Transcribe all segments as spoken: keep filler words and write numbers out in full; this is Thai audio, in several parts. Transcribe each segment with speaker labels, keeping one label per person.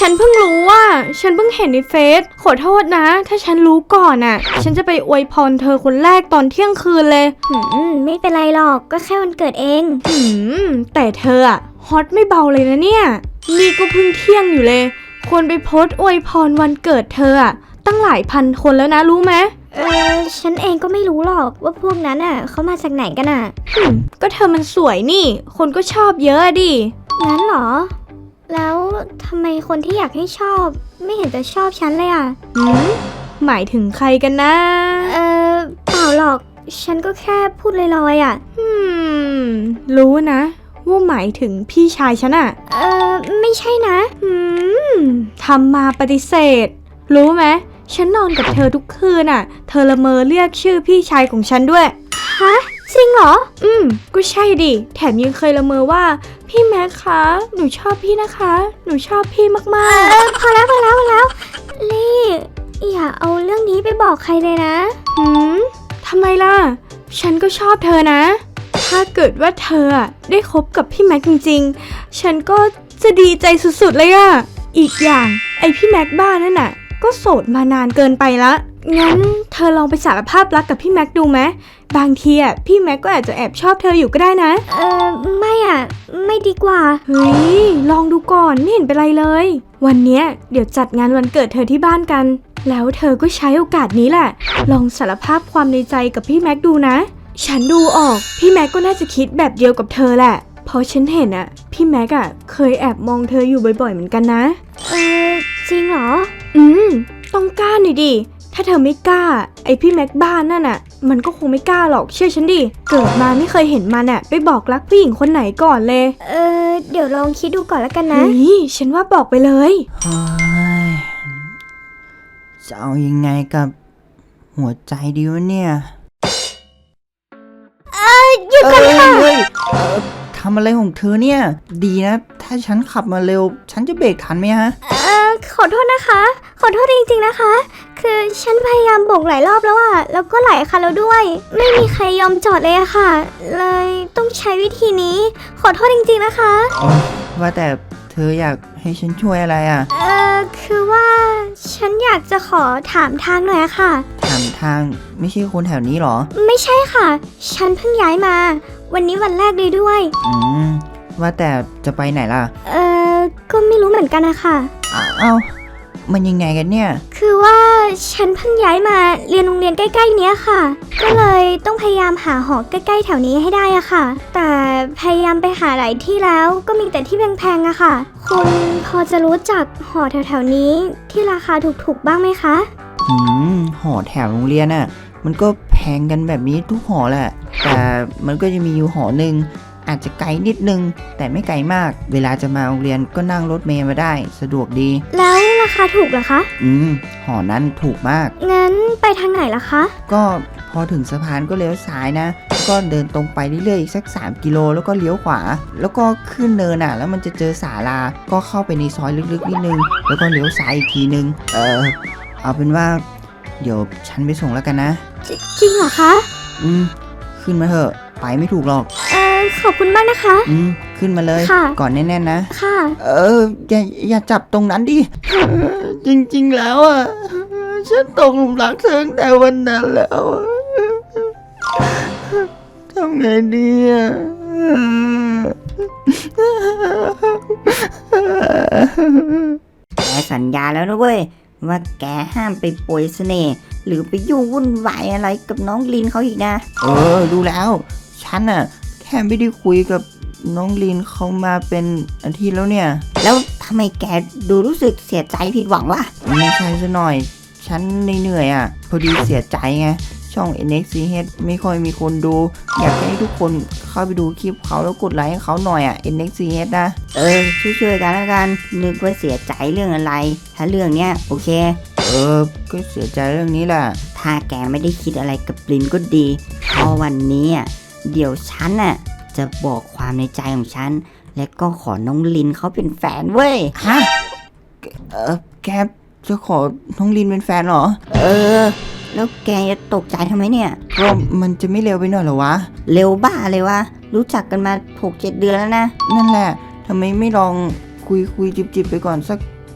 Speaker 1: ฉันเพิ่งรู้ว่าฉันเพิ่งเห็นในเฟซขอโทษนะถ้าฉันรู้ก่อนอ่ะฉันจะไปอวยพรเธอคนแรกตอนเที่ยงคืนเลย
Speaker 2: หืมไม่เป็นไรหรอกก็แค่วันเกิดเอง
Speaker 1: หืมแต่เธออ่ะฮอตไม่เบาเลยนะเนี่ยนี่ก็เพิ่งเที่ยงอยู่เลยควรไปโพสต์อวยพรวันเกิดเธออ่ะตั้งหลายพันคนแล้วนะรู้ไหม
Speaker 2: เออฉันเองก็ไม่รู้หรอกว่าพวกนั้นอ่ะเขามาจากไหนกันอ่ะ
Speaker 1: หืมก็เธอมันสวยนี่คนก็ชอบเยอะดิ
Speaker 2: งั้นเหรอแล้วทำไมคนที่อยากให้ชอบไม่เห็นจะชอบฉันเลยอ่ะ
Speaker 1: หืมหมายถึงใครกันนะ
Speaker 2: เออเปล่าหรอกฉันก็แค่พูดลอยๆอ่ะ
Speaker 1: อืมรู้นะว่าหมายถึงพี่ชายฉันอ่ะ
Speaker 2: เออไม่ใช่นะ
Speaker 1: อืมทำมาปฏิเสธรู้ไหมฉันนอนกับเธอทุกคืนอ่ะเธอละเมอเรียกชื่อพี่ชายของฉันด้วย
Speaker 2: ฮะจริงเหรอ
Speaker 1: อืมก็ใช่ดิแถมยังเคยละเมอว่าพี่แม็กคะหนูชอบพี่นะคะหนูชอบพี่มากๆ
Speaker 2: เออพอแล้วพอแล้วพอแล้วลี่อย่าเอาเรื่องนี้ไปบอกใครเลยนะ
Speaker 1: หืมทำไมล่ะฉันก็ชอบเธอนะถ้าเกิดว่าเธอได้คบกับพี่แม็กจริงๆฉันก็จะดีใจสุดๆเลยอะอีกอย่างไอพี่แม็กบ้านั่นน่ะก็โสดมานานเกินไปละงั้นเธอลองไปสารภาพรักกับพี่แม็กดูไหมบางทีอ่ะพี่แม็กก็อาจจะแอบชอบเธออยู่ก็ได้นะ
Speaker 2: เออไม่อ่ะไม่ดีกว่า
Speaker 1: เฮ้ยลองดูก่อนไม่เห็นเป็นไรเลยวันเนี้ยเดี๋ยวจัดงานวันเกิดเธอที่บ้านกันแล้วเธอก็ใช้โอกาสนี้แหละลองสารภาพความในใจกับพี่แม็กดูนะฉันดูออกพี่แม็กก็น่าจะคิดแบบเดียวกับเธอแหละเพราะฉันเห็นอ่ะพี่แม็กอ่ะเคยแอบมองเธออยู่บ่อยๆเหมือนกันนะ
Speaker 2: เออจริงเหรอ
Speaker 1: อืมต้องกล้าหน่อยดิถ้าเธอไม่กล้าไอพี่แม็กบ้านนั่นน่ะมันก็คงไม่กล้าหรอกเชื่อฉันดิเกิดมาไม่เคยเห็นมันอ่ะไปบอกรักผู้หญิงคนไหนก่อนเลย
Speaker 2: เออเดี๋ยวลองคิดดูก่อนแล้วกันนะ
Speaker 1: เฮ้ยฉันว่าบอกไปเลย
Speaker 3: เฮ้ยจะเอายังไงกับหัวใจดีวะเนี่ย
Speaker 2: เออหยุดก่อนค่ะ
Speaker 3: เฮ้ยเออทำอะไรของเธอเนี่ยดีนะถ้าฉันขับมาเร็วฉันจะเบรกทันไหมฮะ
Speaker 2: เออขอโทษนะคะขอโทษจริงๆนะคะคือฉันพยายามโบกหลายรอบแล้วอะแล้วก็หลายคันแล้วด้วยไม่มีใครยอมจอดเลยอะค่ะเลยต้องใช้วิธีนี้ขอโทษจริงๆนะคะ
Speaker 3: ว่าแต่เธออยากให้ฉันช่วยอะไรอ่ะ
Speaker 2: เออคือว่าฉันอยากจะขอถามทางหน่อยอะค่ะ
Speaker 3: ถามทางไม่ใช่คนแถวนี้หรอ
Speaker 2: ไม่ใช่ค่ะฉันเพิ่งย้ายมาวันนี้วันแรกเลยด้วย
Speaker 3: อืมว่าแต่จะไปไหนล่ะ
Speaker 2: เออก็ไม่รู้เหมือนกันนะคะ
Speaker 3: อ้าวมันยังไงกันเนี่ย
Speaker 2: คือว่าฉันเพิ่งย้ายมาเรียนโรงเรียนใกล้ๆเนี้ยค่ะก็เลยต้องพยายามหาหอใกล้ๆแถวนี้ให้ได้อะค่ะแต่พยายามไปหาหลายที่แล้วก็มีแต่ที่แพงๆอะค่ะคุณพอจะรู้จักหอแถวๆนี้ที่ราคาถูกๆบ้างไหมคะ
Speaker 3: อืมหอแถวโรงเรียนน่ะมันก็แพงกันแบบนี้ทุกหอแหละแต่มันก็จะมีอยู่หอหนึ่งอาจจะไกลนิดนึงแต่ไม่ไกลมากเวลาจะมาโรงเรียนก็นั่งรถเมล์มาได้สะดวกดี
Speaker 2: แล้วราคาถูกเหรอคะ
Speaker 3: อืมหอนั้นถูกมาก
Speaker 2: งั้นไปทางไหนล่ะคะ
Speaker 3: ก็พอถึงสะพานก็เลี้ยวซ้ายนะก็เดินตรงไปเรื่อยๆอีกสักสามกิโลแล้วก็เลี้ยวขวาแล้วก็ขึ้นเนินอ่ะแล้วมันจะเจอศาลาก็เข้าไปในซอยลึกๆนิดนึงแล้วก็เลี้ยวซ้ายอีกทีนึงเออเอาเป็นว่าเดี๋ยวฉันไปส่งแล้วกันนะ
Speaker 2: จริงเหรอคะ
Speaker 3: อืมขึ้นมาเถอะไปไม่ถูกหรอก
Speaker 2: เออขอบคุณมากนะคะ
Speaker 3: อืมขึ้นมาเลยก่อนแน่นๆนะ
Speaker 2: ค่ะ
Speaker 3: เอออย่าอย่าจับตรงนั้นดิจริงๆแล้วอ่ะฉันตกหลุมรักเธอตั้งแต่วันนั้นแล้วทำไงดีอ่ะ
Speaker 4: แกสัญญาแล้วนะเว้ยว่าแกห้ามไปโปรยเสน่ห์หรือไปยุ่งวุ่นวายอะไรกับน้องลินเขาอีกนะ
Speaker 3: เออดูแล้วฉันน่ะแค่ไม่ได้คุยกับน้องลินเขามาเป็นอาทิตย์แล้วเนี่ย
Speaker 4: แล้วทำไมแกดูรู้สึกเสียใจผิดหวังวะ
Speaker 3: ไม่ใช่ซะหน่อยฉันเหนื่อยอ่ะพอดีเสียใจไงช่อง เอ็น เอ็กซ์ ซี เอช ไม่ค่อยมีคนดูอยากให้ทุกคนเข้าไปดูคลิปเขาแล้วกดไลค์ให้เขาหน่อยอ่ะ เอ็น เอ็กซ์ ซี เอช นะ
Speaker 4: เออช่วยๆกันแล้วกันนึกว่าเสียใจเรื่องอะไรถ้าเรื่องเนี้ยโอเค
Speaker 3: เออก็เสียใจเรื่องนี้แหละ
Speaker 4: ถ้าแกไม่ได้คิดอะไรกับลินก็ดีเพราะวันนี้อ่ะเดี๋ยวฉันน่ะจะบอกความในใจของฉันและก็ขอน้องลินเขาเป็นแฟนเว้ย
Speaker 3: ฮะเออแกจะขอน้องลินเป็นแฟนเหรอ
Speaker 4: เออแล้วแกจะตกใจทำไมเนี่ย
Speaker 3: ก็มันจะไม่เร็วไปหน่อยเหรอวะ
Speaker 4: เร็วบ้าเลยวะรู้จักกันมา หกเจ็ด เดือนแล้วนะ
Speaker 3: นั่นแหละทำไมไม่ลองคุยคุยจิบจิบไปก่อนสัก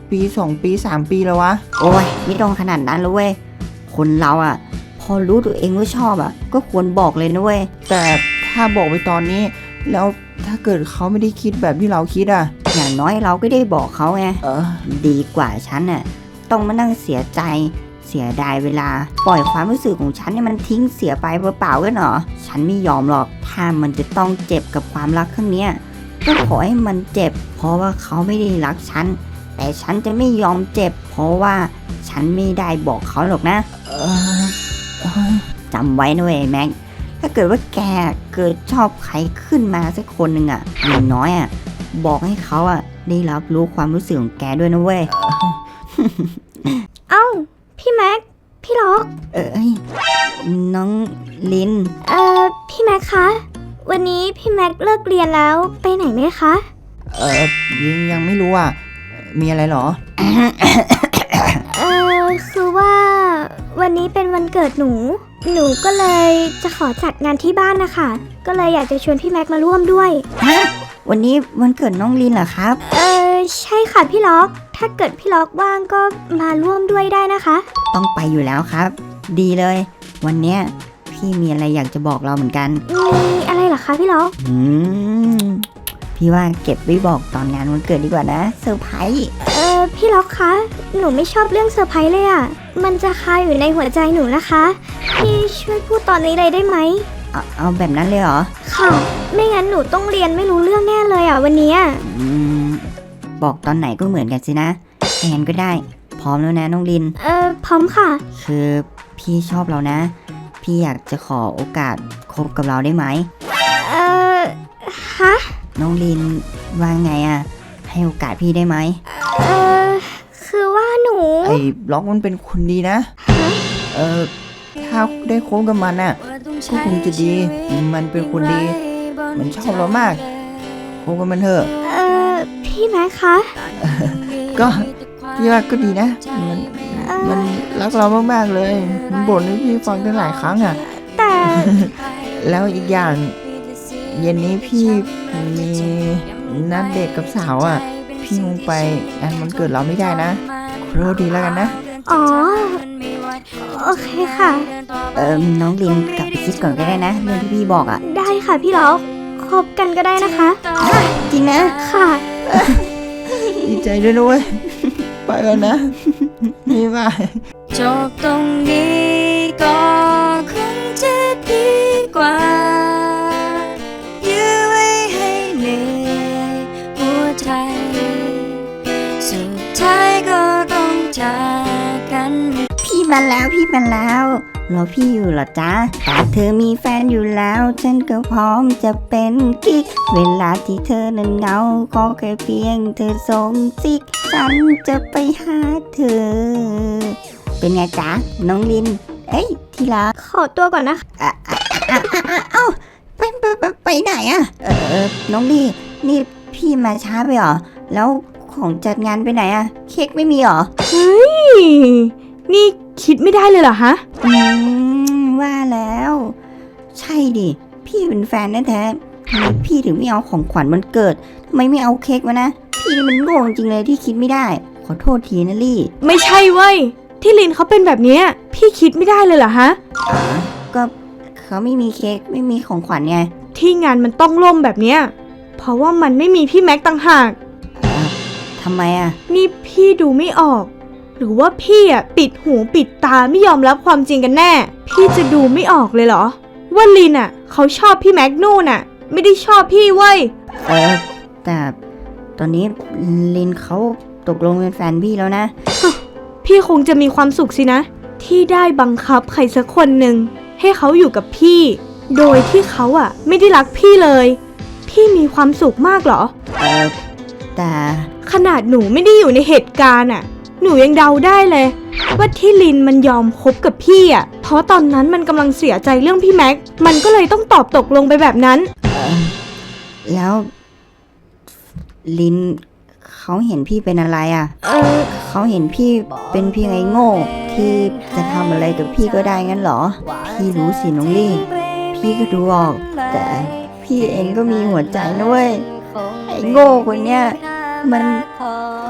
Speaker 3: ปีสองปีสามปีแล้ววะ
Speaker 4: โอ้ยไม่ต้องขนาดนั้นเลยเว้ยคนเราอ่ะ พอรู้ตัวเองว่าชอบอ่ะ ก็ควรบอกเลยนะเว้ย
Speaker 3: แต่ถ้าบอกไปตอนนี้ แล้วถ้าเกิดเขาไม่ได้คิดแบบที่เราคิดอ่ะ
Speaker 4: อย่างน้อยเราก็ได้บอกเขาไง
Speaker 3: เออ
Speaker 4: ดีกว่าฉันน่ะต้องมานั่งเสียใจ เสียดายเวลา ปล่อยความรู้สึกของฉันเนี่ยมันทิ้งเสียไปเปล่าๆกันเหรอฉันไม่ยอมหรอกถ้ามันจะต้องเจ็บกับความรักครั้งเนี้ยก็ขอให้มันเจ็บ เพราะว่าเขาไม่ได้รักฉันแต่ฉันจะไม่ยอมเจ็บ เพราะว่าฉันไม่ได้บอกเขาหรอกนะ
Speaker 3: เออเออ
Speaker 4: จำไว้นะเว้ยแม็กถ้าเกิดว่าแกเกิดชอบใครขึ้นมาสักคนหนึ่งอ่ะอย่างน้อยอ่ะบอกให้เขาอ่ะได้รับรู้ความรู้สึกของแกด้วยนะเว้ย
Speaker 2: เอ้า พี่แม็ก พี่ล็อก
Speaker 4: เอ้ยน้องลิน
Speaker 2: เอ่อ พี่แม็กคะ วันนี้พี่แม็กเลิกเรียนแล้วไปไหนไหมคะ
Speaker 3: เออยังยังไม่รู้อ่ะ มีอะไรเหรอ
Speaker 2: เอ่อ คือว่าวันนี้เป็นวันเกิดหนู หนูก็เลยจะขอจัดงานที่บ้านนะคะ ก็เลยอยากจะชวนพี่แม็กมาร่วมด้วย
Speaker 4: ฮะวันนี้วันเกิดน้องลินเหรอครับ
Speaker 2: เออใช่ค่ะพี่ล็อก ถ้าเกิดพี่ล็อกว่างก็มาร่วมด้วยได้นะคะ
Speaker 4: ต้องไปอยู่แล้วครับ ดีเลย วันเนี้ยพี่มีอะไรอยากจะบอกเราเหมือนกัน
Speaker 2: มีอะไรเหรอคะพี่ล็อก
Speaker 4: อืมพี่ว่าเก็บไว้บอกตอนงานวันเกิดดีกว่านะเซอร์ไพรส์
Speaker 2: เออพี่ล็อกคะ หนูไม่ชอบเรื่องเซอร์ไพรส์เลยอะ่ะ มันจะคาอยู่ในหัวใจหนูนะคะ พี่ช่วยพูดตอนนี้เลยได้ไหม
Speaker 4: เอาเอาแบบนั้นเลยเหรอ
Speaker 2: ค่ะ ไม่งั้นหนูต้องเรียนไม่รู้เรื่องแน่เลยอะ่ะวันเนี้ย
Speaker 4: อืมบอกตอนไหนก็เหมือนกันสินะถ้างั้นก็ได้ พร้อมแล้วนะน้องลิน
Speaker 2: เออพร้อมค่ะ
Speaker 4: คือพี่ชอบเรานะ พี่อยากจะขอโอกาสคบกับเราได้ไหม
Speaker 2: เออฮะ
Speaker 4: น้องลินว่าไงอะให้โอกาสพี่ได้ไหม
Speaker 2: เออคือว่าหนู
Speaker 3: ไอ้บล็อกมันเป็นคนดีนะ เออ ถ้าได้คบกับมันน่ะ ก็คงจะดี มันเป็นคนดี มันชอบเรามากคบกับมันเถอะ
Speaker 2: เออพี่แม็กคะ
Speaker 3: ก็พี่ว่าก็ดีนะ มัน
Speaker 2: เออ
Speaker 3: มันรักเรามากๆเลย มันบ่นให้พี่ฟังตั้งหลายครั้งอ่ะ
Speaker 2: แต่
Speaker 3: แล้วอีกอย่าง เย็นนี้พี่มีนัดเดทกับสาวอ่ะ พี่คงไปงานวันเกิดเราไม่ได้นะขอโทษดีแล้วกันนะ
Speaker 2: อ๋อ โอเคค่ะ
Speaker 4: เออน้องลินกลับไปคิดก่อนก็ได้นะ เรื่องที่พี่บอกอะ
Speaker 2: ได้ค่ะพี่ล็อกคบกันก็ได้นะคะ
Speaker 4: จริงนะ
Speaker 2: ค่ะ
Speaker 3: ดีใจด้วยนะเว้ย ไปก่อนนะบ๊ายบาย
Speaker 5: จบตรงนี้ก็คงจะดีกว่ายื้อไว้ให้เหนื่อยหัวใจสุดท้ายก็ต้องจากกัน
Speaker 4: พี่มาแล้วพี่มาแล้วรอพี่อยู่เหรอจ๊ะแต่เธอมีแฟนอยู่แล้ว ฉันก็พร้อมจะเป็นกิ๊กเวลาที่เธอนั้นเหงาขอแค่เพียงเธอส่งซิกฉันจะไปหาเธอ เป็นไงจ๊ะน้องลิน เอ้ยที่รัก
Speaker 2: ขอตัวก่อนนะคะ
Speaker 4: อ่ะอ่ะอ่ะอ่ะอ่ะเอ้าไปไปไปไปไหนอะเออเออน้องลีนี่พี่มาช้าไปเหรอแล้วของจัดงานไปไหนอะเค้กไม่มีเหรอ
Speaker 1: เฮ้ย นี่คิดไม่ได้เลยเหรอฮะ
Speaker 4: อืมว่าแล้ว ใช่ดิพี่เป็นแฟนแท้ๆทำไมพี่ถึงไม่เอาของขวัญวันเกิดทำไมไม่เอาเค้กมานะพี่นี่มันโง่จริงเลยที่คิดไม่ได้ ขอโทษทีนะลี่
Speaker 1: ไม่ใช่เว้ย ที่ลินเขาเป็นแบบเนี้ยพี่คิดไม่ได้เลยเหรอฮะ
Speaker 4: อ๋อก็เขาไม่มีเค้กไม่มีของขวัญไง
Speaker 1: ที่งานมันต้องล่มแบบเนี้ย เพราะว่ามันไม่มีพี่แม็กต่างหาก
Speaker 4: เอ่อทำไมอะ
Speaker 1: นี่พี่ดูไม่ออก หรือว่าพี่อ่ะปิดหูปิดตาไม่ยอมรับความจริงกันแน่ พี่จะดูไม่ออกเลยเหรอ ว่าลินอ่ะเขาชอบพี่แม็กนู่นอ่ะ ไม่ได้ชอบพี่เว้ย
Speaker 4: เออแต่ตอนนี้ลินเขาตกลงเป็นแฟนพี่แล้วนะ
Speaker 1: พี่คงจะมีความสุขสินะ ที่ได้บังคับใครสักคนหนึ่งให้เขาอยู่กับพี่ โดยที่เขาอ่ะ ไม่ได้รักพี่เลย พี่มีความสุขมากเหรอ
Speaker 4: เออแต่
Speaker 1: ขนาดหนูไม่ได้อยู่ในเหตุการณ์อ่ะ หนูยังเดาได้เลย ว่าที่ลินมันยอมคบกับพี่อ่ะ เพราะตอนนั้นมันกำลังเสียใจเรื่องพี่แม็ก มันก็เลยต้องตอบตกลงไปแบบนั้น
Speaker 4: เออแล้ว ลินเขาเห็นพี่เป็นอะไรอะ่ะ
Speaker 1: เออ
Speaker 4: เขาเห็นพี่เป็นเพียงไอ้โง่ที่จะทำอะไรกับพี่ก็ได้งั้นเหรอ พี่รู้สิน้องลี่ พี่ก็ดูออก แต่พี่เองก็มีหัวใจนะเว้ย ไอ้โง่คนเนี้ยมัน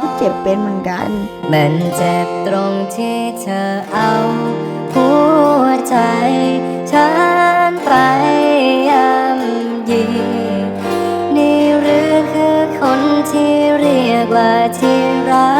Speaker 4: ก็เจ็บเป็นเหมือนกัน
Speaker 5: มันเจ็บตรงที่เธอเอาหัวใจฉันไปย่ำยีนี่หรือคือคนที่เรียกว่าที่รัก